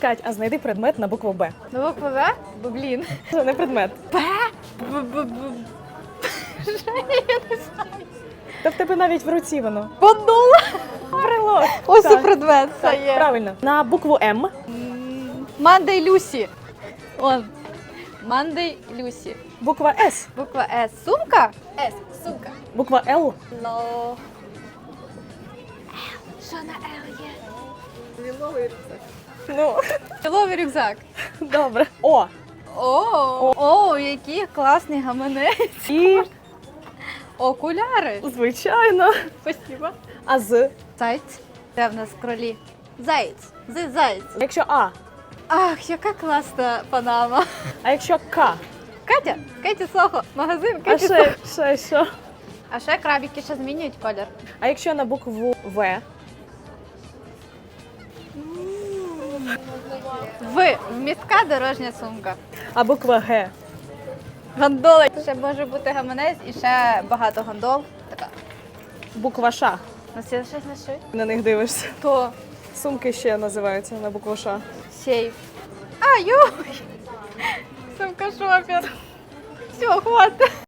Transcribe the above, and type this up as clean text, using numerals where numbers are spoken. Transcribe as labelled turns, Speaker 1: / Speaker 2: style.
Speaker 1: Кать, а знайди предмет на букву Б.
Speaker 2: На букву В? Блін.
Speaker 1: Це не предмет. Та в тебе навіть в руці воно.
Speaker 2: Подула.
Speaker 1: Прилог.
Speaker 2: Ось
Speaker 1: Так.
Speaker 2: і предмет. Це
Speaker 1: Так,
Speaker 2: є.
Speaker 1: правильно. На букву М.
Speaker 2: Мандей Люсі. Он. Мандей Люсі.
Speaker 1: Буква С.
Speaker 2: Буква С. Сумка? С. Сумка.
Speaker 1: Буква Л.
Speaker 2: Ло. Що на Л є?
Speaker 1: Ну,
Speaker 2: Ловий рюкзак.
Speaker 1: добре. О.
Speaker 2: О, який класний гаманець.
Speaker 1: І,
Speaker 2: Окуляри.
Speaker 1: звичайно.
Speaker 2: Спасибо.
Speaker 1: А з.
Speaker 2: Зайць. Де в нас кролі? Заєць. Заєць.
Speaker 1: Якщо А.
Speaker 2: Ах, яка класна панама.
Speaker 1: А якщо К.
Speaker 2: Катя, Катя Сохо, магазин
Speaker 1: А
Speaker 2: Катя Сохо.
Speaker 1: ще що?
Speaker 2: А ще крабики ще змінюють колір.
Speaker 1: А якщо на букву В.
Speaker 2: Вмістка дорожня сумка.
Speaker 1: А буква Г.
Speaker 2: Гондола. Ще може бути гаманець і ще багато гондол. Така.
Speaker 1: Буква Ш.
Speaker 2: У нас є щось на шиї?
Speaker 1: На них дивишся.
Speaker 2: То
Speaker 1: Сумки ще називаються на букву Ш.
Speaker 2: сейф. А, йой! Сумка шопер. Все, хватить.